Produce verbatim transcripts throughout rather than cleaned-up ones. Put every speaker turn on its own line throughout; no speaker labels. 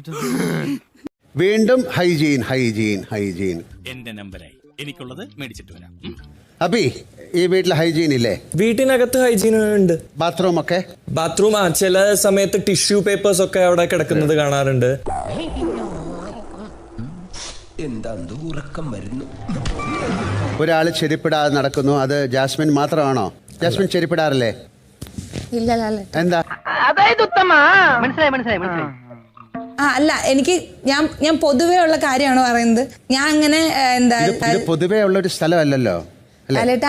വീണ്ടും hygiene hygiene hygiene.
എന്റെ നമ്പറായി എനിക്കുള്ളത് മേടിച്ചിട്ട് വരാം.
അബി, ഈ വീട്ടിൽ ഹൈജീൻ ഇല്ലേ?
വീട്ടിനകത്ത് ഹൈജീൻ ഉണ്ട്.
ബാത്റൂം ഒക്കെ?
ബാത്റൂം ആ ചില സമയത്ത് ടിഷ്യൂ പേപ്പേഴ്സ് ഒക്കെ അവിടെ കിടക്കുന്നത് കാണാറുണ്ട്.
ഒരാള് ചെരുപ്പിടാതെ നടക്കുന്നു, അത് ജാസ്മിൻ മാത്രമാണോ? ജാസ്മിൻ ചെരുപ്പിടാറില്ലേ?
ഇല്ല.
എന്താ?
മനസ്സിലായി മനസ്സിലായി മനസ്സിലായി
ആ അല്ല, എനിക്ക് ഞാൻ ഞാൻ പൊതുവേ ഉള്ള കാര്യമാണ് പറയുന്നത്. ഞാൻ അങ്ങനെ എന്താ
ഇത് പൊതുവേ ഉള്ള ഒരു സ്ഥലമല്ലല്ലോ
ലാലേട്ടാ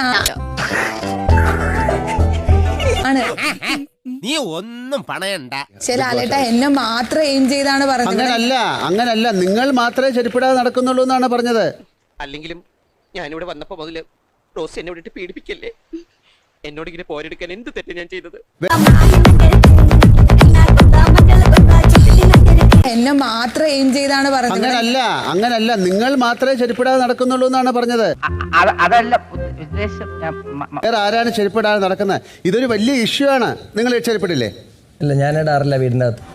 ആണ്.
നീ ഒന്നും പണയണ്ട.
ശരി ലാലേട്ടാ, എന്നെ മാത്രം എയിം ചെയ്താണ് പറഞ്ഞത്.
അങ്ങനല്ല അങ്ങനല്ല നിങ്ങൾ മാത്രമേ ചെരുപ്പിടാതെ നടക്കുന്നുള്ളൂ എന്നാണ് പറഞ്ഞത്.
അല്ലെങ്കിലും ഞാനിവിടെ വന്നപ്പോ മുതല് റോസ് എന്നെ വിട്ടിട്ട് പീഡിപ്പിക്കല്ലേ. എന്നോട് ഇങ്ങനെ പോരെടുക്കാൻ എന്ത് തെറ്റ് ഞാൻ ചെയ്തത്?
എന്നെ മാത്രം എയിം ചെയ്താണ് പറഞ്ഞത്.
അങ്ങനല്ല അങ്ങനല്ല നിങ്ങൾ മാത്രമേ ചെരുപ്പിടാതെ നടക്കുന്നുള്ളൂ എന്നാണ് പറഞ്ഞത്.
അതല്ല
വേറെ ആരാണ് ചെരുപ്പിടാതെ നടക്കുന്നത്? ഇതൊരു വലിയ ഇഷ്യൂ ആണ്. നിങ്ങൾ ചെരുപ്പിടില്ലേ?
ഇല്ല, ഞാൻ ഇടാറില്ല വീടിന്റെ അകത്ത്.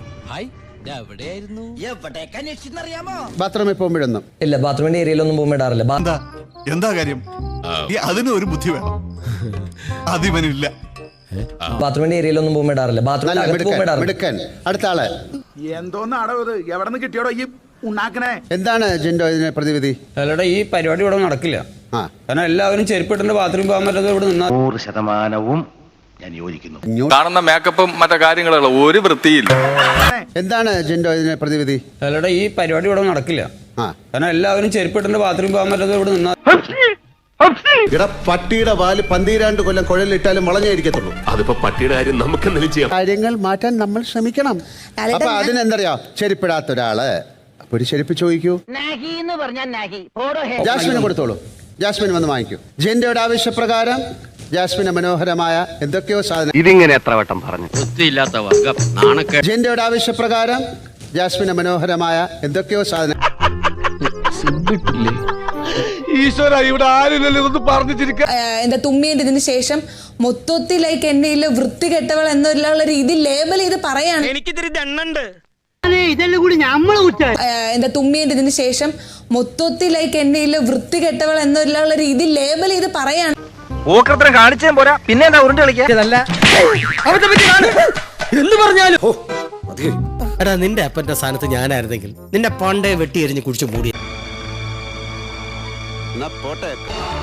ബാത്റൂമിൽ പോകുമ്പോഴൊന്നും
ഇല്ല, ബാത്റൂമിന്റെ ഏരിയയിലൊന്നും പോകുമ്പോൾ ഇടാറില്ല.
എന്താ എന്താ കാര്യം? അതിന് ഒരു ബുദ്ധി വേണം, അതിവനില്ല.
ബാത്റൂമിന്റെ ഏരിയയിലൊന്നും പോകുമ്പോൾ ഇടാറില്ല. ബാത്റൂമിന്റെ അകത്ത് പോകുമ്പോൾ ഇടാറില്ല.
മിടുക്കൻ. അടുത്ത ആള്
എന്തോന്നാടോ ഇത്? എവിടെ നിന്ന് കിട്ടിയോടോ ഈ ഉണ്ടാക്കണേ?
എന്താണ് ജിൻഡോ ഇതിന് പ്രതിവിധി?
അല്ലടാ, ഈ പരിപാടി ഇവിടെ നടക്കില്ല.
ആ
കാരണം എല്ലാവരും ചെരുപ്പിട്ടുണ്ട് ബാത്റൂമിൽ പോകാൻ പറ്റാതെ ഇവിടെ നിന്നാ
നൂറ് ശതമാനവും ഞാൻ യോജിക്കുന്നു.
കാണുന്ന മേക്കപ്പും മറ്റു കാര്യങ്ങളുള്ള ഒരു വൃത്തിയില്ല.
എന്താണ് ജിൻഡോ ഇതിന് പ്രതിവിധി?
അല്ലടാ, ഈ പരിപാടി ഇവിടെ നടക്കില്ല.
ആ
കാരണം എല്ലാവരും ചെരുപ്പിട്ടുണ്ട് ബാത്റൂമിൽ പോകാൻ പറ്റാതെ ഇവിടെ നിന്നാ
ഇട പട്ടിയുടെ വാല് പന്തീരാണ്ട് കൊല്ലം കുഴലിട്ടാലും വളഞ്ഞായിരിക്കത്തുള്ളൂ.
അതിപ്പോ പട്ടിയുടെ കാര്യം നമുക്ക് എന്തെങ്കിലും ചെയ്യാം.
കാര്യങ്ങൾ മാറ്റാൻ നമ്മൾ ശ്രമിക്കണം. അപ്പൊ അതിനെന്തറിയാ, ചെരുപ്പിടാത്ത ഒരാള് അപ്പൊ ഒരു ചെരുപ്പ് ചോദിക്കൂ. ജാസ്മിന് കൊടുത്തോളൂ, ജാസ്മിൻ വന്ന് വാങ്ങിക്കൂ. ജിൻഡോയുടെ ആവശ്യപ്രകാരം ജാസ്മിന് മനോഹരമായ എന്തൊക്കെയോ സാധനം.
ഇതിങ്ങനെ എത്ര വട്ടം പറഞ്ഞു?
ജിൻഡോയുടെ ആവശ്യപ്രകാരം ജാസ്മിന് മനോഹരമായ എന്തൊക്കെയോ സാധനം.
ഈശ്വര, ഇവിടെ ആരില്ലല്ലോ ഇതൊന്ന് പറഞ്ഞു ചിരിക്കാൻ.
എന്താ തുമ്മിയുടെ ഇതിന് ശേഷം മൊത്തത്തിലേക്ക് എന്നെ ഇല്ല വൃത്തികെട്ടവൾ എന്നുള്ള രീതി ലേബൽ ചെയ്ത് പറയാണ്.
എനിക്കിതിരി ദണ്ണുണ്ട്.
ഇതെല്ലാം കൂടി നമ്മള് കുറ്റ
എന്താ തുമ്മിയുടെ ഇതിന് ശേഷം മൊത്തത്തിലേക്ക് എന്നെ ഇല്ല വൃത്തികെട്ടവൾ എന്നുള്ള രീതി ലേബൽ ചെയ്ത് പറയാണ്.
ഓക്രത്തരം കാണിച്ചേ പോരാ, പിന്നെ എന്താ ഉരുണ്ട് കളിക്കാല്ല
എന്ന് പറഞ്ഞാലും.
എടാ, നിന്റെ അപ്പന്റെ സ്ഥാനത്ത് ഞാനായിരുന്നെങ്കിൽ നിന്റെ പണ്ടേ വെട്ടി എറിഞ്ഞ് കുടിച്ചു മൂടി.
പോട്ടെ.